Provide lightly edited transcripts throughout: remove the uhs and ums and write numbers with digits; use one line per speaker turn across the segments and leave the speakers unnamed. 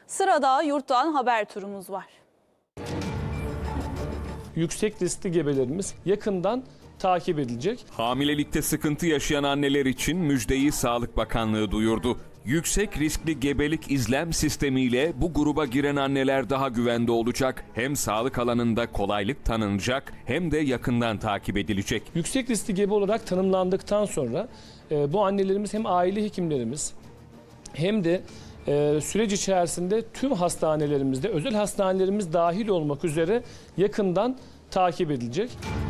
Sırada yurttan haber turumuz var.
Yüksek riskli gebelerimiz yakından takip edilecek.
Hamilelikte sıkıntı yaşayan anneler için müjdeyi Sağlık Bakanlığı duyurdu. Yüksek riskli gebelik izlem sistemiyle bu gruba giren anneler daha güvende olacak. Hem sağlık alanında kolaylık tanınacak hem de yakından takip edilecek.
Yüksek riskli gebe olarak tanımlandıktan sonra bu annelerimiz hem aile hekimlerimiz hem de süreç içerisinde tüm hastanelerimizde, özel hastanelerimiz dahil olmak üzere yakından takip edilecek.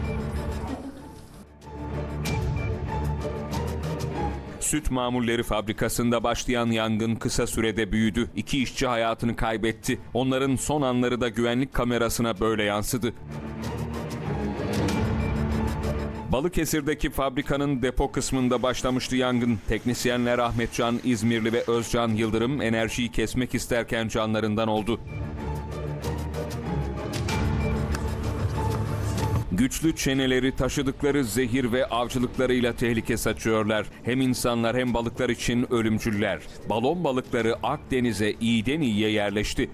Süt mamulleri fabrikasında başlayan yangın kısa sürede büyüdü. 2 işçi hayatını kaybetti. Onların son anları da güvenlik kamerasına böyle yansıdı. Balıkesir'deki fabrikanın depo kısmında başlamıştı yangın. Teknisyenler Ahmetcan İzmirli ve Özcan Yıldırım enerjiyi kesmek isterken canlarından oldu. Güçlü çeneleri taşıdıkları zehir ve avcılıklarıyla tehlike saçıyorlar. Hem insanlar hem balıklar için ölümcüller. Balon balıkları Akdeniz'e iyiden iyiye yerleşti.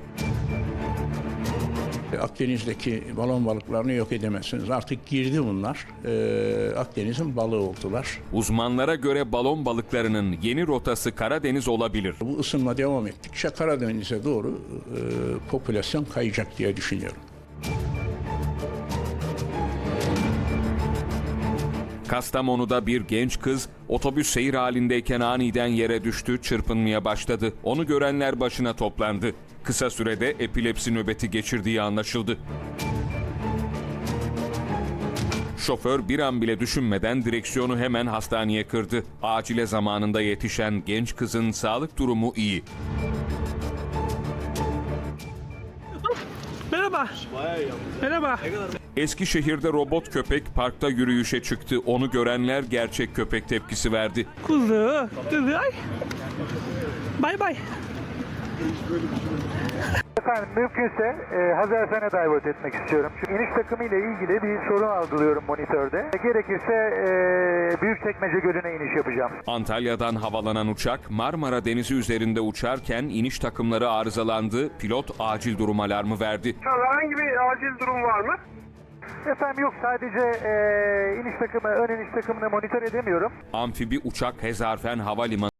Akdeniz'deki balon balıklarını yok edemezsiniz. Artık girdi bunlar. Akdeniz'in balığı oldular.
Uzmanlara göre balon balıklarının yeni rotası Karadeniz olabilir.
Bu ısınma devam ettikçe Karadeniz'e doğru popülasyon kayacak diye düşünüyorum.
Kastamonu'da bir genç kız otobüs seyir halindeyken aniden yere düştü, çırpınmaya başladı. Onu görenler başına toplandı. Kısa sürede epilepsi nöbeti geçirdiği anlaşıldı. Şoför bir an bile düşünmeden direksiyonu hemen hastaneye kırdı. Acile zamanında yetişen genç kızın sağlık durumu iyi.
Merhaba. Merhaba.
Eskişehir'de robot köpek parkta yürüyüşe çıktı. Onu görenler gerçek köpek tepkisi verdi.
Kuzu. Ay. Bay bay.
Efendim mümkünse Hazarfen'e divert etmek istiyorum. Çünkü iniş takımı ile ilgili bir sorun algılıyorum monitörde. Gerekirse Büyükçekmece Gölü'ne iniş yapacağım.
Antalya'dan havalanan uçak Marmara Denizi üzerinde uçarken iniş takımları arızalandı. Pilot acil durum alarmı verdi.
Herhangi bir acil durum var mı?
Efendim yok, sadece iniş takımı, ön iniş takımını monitör edemiyorum.
Amfibi uçak Hezarfen Havalimanı